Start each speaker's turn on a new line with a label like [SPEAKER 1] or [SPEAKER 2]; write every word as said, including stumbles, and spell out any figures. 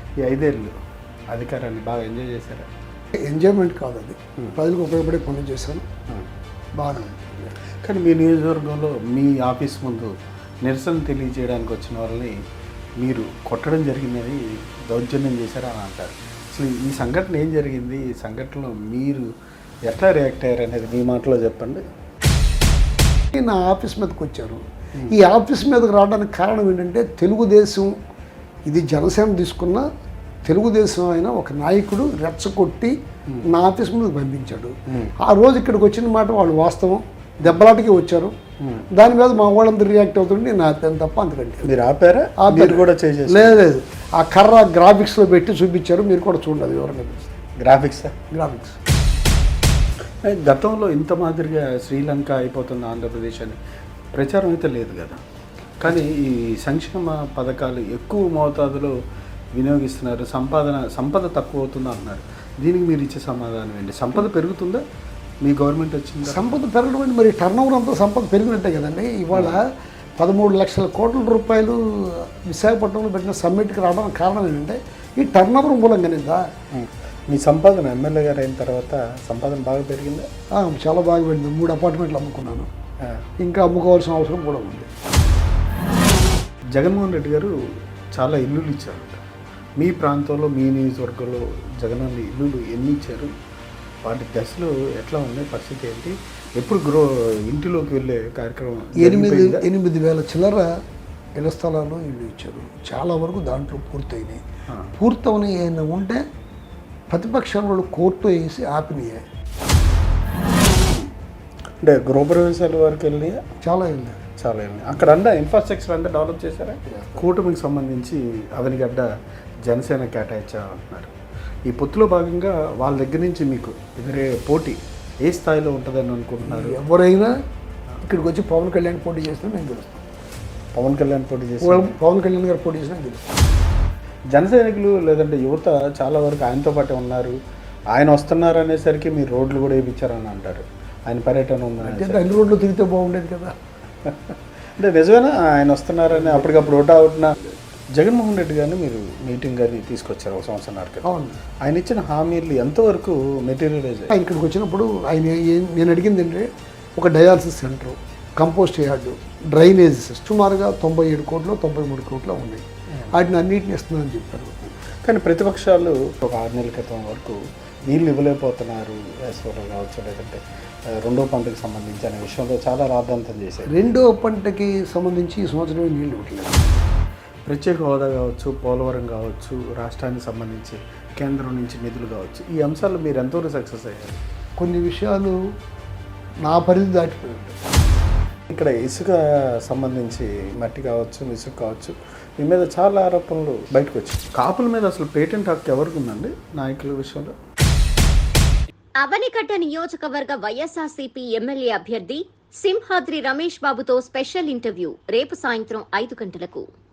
[SPEAKER 1] ఈ ఐదేళ్ళు అధికారాన్ని బాగా ఎంజాయ్ చేశారా?
[SPEAKER 2] ఎంజాయ్మెంట్ కాదు, అది ప్రజలకు ఉపయోగపడే పనులు చేశాను, బాగానే ఉంది.
[SPEAKER 1] కానీ మీ నియోజకవర్గంలో మీ ఆఫీస్ ముందు నిరసన తెలియజేయడానికి వచ్చిన వాళ్ళని మీరు కొట్టడం జరిగిందని దౌర్జన్యం చేశారని అంటారు. అసలు ఈ సంఘటన ఏం జరిగింది, ఈ సంఘటనలో మీరు ఎట్లా రియాక్ట్ అయ్యారు అనేది మీ మాటలో చెప్పండి.
[SPEAKER 2] నా ఆఫీస్ మీదకి వచ్చారు. ఈ ఆఫీస్ మీదకి రావడానికి కారణం ఏంటంటే తెలుగుదేశం, ఇది జనసేన తీసుకున్న తెలుగుదేశం అయిన ఒక నాయకుడు రెచ్చగొట్టి నా ఆఫీస్ మీదకి పంపించాడు. ఆ రోజు ఇక్కడికి వచ్చిన మాట వాళ్ళు వాస్తవం, దెబ్బలాటకి వచ్చారు. దాని మీద మా వాళ్ళందరూ రియాక్ట్ అవుతుంటే నేను ఆపాను తప్ప అంతకంటే.
[SPEAKER 1] మీరు ఆపారా? మీరు కూడా చేసేసి?
[SPEAKER 2] లేదు లేదు, ఆ కర్ర గ్రాఫిక్స్లో పెట్టి చూపించారు, మీరు కూడా చూడండి ఎవరైనా.
[SPEAKER 1] గ్రాఫిక్స్
[SPEAKER 2] గ్రాఫిక్స్
[SPEAKER 1] గతంలో ఇంత మాదిరిగా శ్రీలంక అయిపోతుంది ఆంధ్రప్రదేశ్ అని ప్రచారం అయితే లేదు కదా. కానీ ఈ సంక్షేమ పథకాలు ఎక్కువ మోతాదులో వినియోగిస్తున్నారు, సంపాదన సంపద తక్కువ అవుతుందా అన్నారు. దీనికి మీరు ఇచ్చే సమాధానం ఏంటి? సంపద పెరుగుతుందా మీ గవర్నమెంట్ వచ్చింది?
[SPEAKER 2] సంపద పెరగడం అంటే మరి టర్న్ ఓవర్ అంతా సంపద పెరిగినట్టే కదండి. ఇవాళ పదమూడు లక్షల కోట్ల రూపాయలు విశాఖపట్నంలో పెట్టిన సమ్మిట్కి రావడానికి కారణం ఏంటంటే ఈ టర్న్ ఓవర్ మూలంగానేదా.
[SPEAKER 1] మీ సంపాదన ఎమ్మెల్యే గారు అయిన తర్వాత సంపాదన బాగా పెరిగిందా?
[SPEAKER 2] చాలా బాగా పెరిగింది. మూడు అపార్ట్మెంట్లు అమ్ముకున్నాను, ఇంకా అమ్ముకోవాల్సిన అవసరం కూడా ఉంది.
[SPEAKER 1] జగన్మోహన్ రెడ్డి గారు చాలా ఇల్లులు ఇచ్చారు మీ ప్రాంతంలో, మీ నియోజకవర్గంలో. జగన్ ఇల్లులు ఎన్ని ఇచ్చారు, వాటి దశలో ఎట్లా ఉన్నాయి, పరిస్థితి ఏంటి, ఎప్పుడు గ్రో ఇంటిలోకి వెళ్ళే కార్యక్రమం?
[SPEAKER 2] ఎనిమిది ఎనిమిది వేల చిల్లర ఇళ్ల స్థలాలు ఇల్లు ఇచ్చారు. చాలా వరకు దాంట్లో పూర్తయినాయి. పూర్తవని ఏమైనా ఉంటే ప్రతిపక్షాల వాళ్ళు కోర్టు వేసి ఆపినాయి.
[SPEAKER 1] అంటే గృహప్రవేశాల వరకు వెళ్ళినాయా?
[SPEAKER 2] చాలా వెళ్ళినాయి,
[SPEAKER 1] చాలా వెళ్ళినాయి. అక్కడ అంతా ఇన్ఫ్రాస్ట్రక్చర్ అంతా డెవలప్ చేశారా? కూటమికి సంబంధించి అవనిగడ్డ జనసేన కేటాయించాలంటున్నారు. ఈ పొత్తులో భాగంగా వాళ్ళ దగ్గర నుంచి మీకు ఎదురే పోటీ ఏ స్థాయిలో ఉంటుందని అనుకుంటున్నారు?
[SPEAKER 2] ఎవరైనా ఇక్కడికి వచ్చి పవన్ కళ్యాణ్ పోటీ చేసినా నేను గెలుస్తాను.
[SPEAKER 1] పవన్ కళ్యాణ్ పోటీ చేసి
[SPEAKER 2] పవన్ కళ్యాణ్ గారు పోటీ చేసినా గెలుస్తాను.
[SPEAKER 1] జన సైనికులు లేదంటే యువత చాలా వరకు ఆయనతో పాటే ఉన్నారు. ఆయన వస్తున్నారు అనేసరికి మీరు రోడ్లు కూడా వేయించారని అంటారు. ఆయన పర్యటన ఉందని
[SPEAKER 2] అన్ని రోడ్లు తిరిగితే బాగుండేది కదా.
[SPEAKER 1] అంటే నిజమేనా ఆయన వస్తున్నారని అప్పటికప్పుడు ఓటా అవుతున్నా? జగన్మోహన్ రెడ్డి గారిని మీరు మీటింగ్ గారిని తీసుకొచ్చారు ఒక సంవత్సరం క్రితం.
[SPEAKER 2] అవును.
[SPEAKER 1] ఆయన ఇచ్చిన హామీలు ఎంతవరకు మెటీరియలైజ్?
[SPEAKER 2] ఆయన ఇక్కడికి వచ్చినప్పుడు ఆయన నేను అడిగింది అంటే ఒక dialysis centre, compost yard, drainages సుమారుగా తొంభై ఏడు కోట్లు తొంభై మూడు కోట్లు ఉన్నాయి. వాటిని అన్నింటిని ఇస్తుందని చెప్పారు.
[SPEAKER 1] కానీ ప్రతిపక్షాలు ఒక ఆరు నెలల క్రితం వరకు నీళ్ళు ఇవ్వలేకపోతున్నారు, వేసవిలో కావచ్చు లేదంటే రెండో పంటకు సంబంధించి అనే విషయంలో చాలా రాద్ధాంతం చేశారు.
[SPEAKER 2] రెండో పంటకి సంబంధించి ఈ సంవత్సరం నీళ్ళు ఇవ్వట్లేదు.
[SPEAKER 1] ప్రత్యేక హోదా కావచ్చు, పోలవరం కావచ్చు, రాష్ట్రానికి సంబంధించి కేంద్రం నుంచి నిధులు కావచ్చు, ఈ అంశాలు మీరు ఎంతవరకు సక్సెస్ అయ్యారు?
[SPEAKER 2] కొన్ని విషయాలు నా పరిధి దాటిపోయి
[SPEAKER 1] ఇక్కడ ఇసుక సంబంధించి మట్టి కావచ్చు, ఇసుక కావచ్చు, మీ మీద చాలా ఆరోపణలు బయటకు వచ్చాయి. కాపుల మీద అసలు పేటెంట్ హక్కు ఎవరికి ఉందండి నాయకుల విషయంలో?
[SPEAKER 3] అవనిగడ్డ నియోజకవర్గ వైఎస్ఆర్సీపీ ఎమ్మెల్యే అభ్యర్థి సింహాద్రి రమేష్ బాబుతో స్పెషల్ ఇంటర్వ్యూ రేపు సాయంత్రం ఐదు గంటలకు.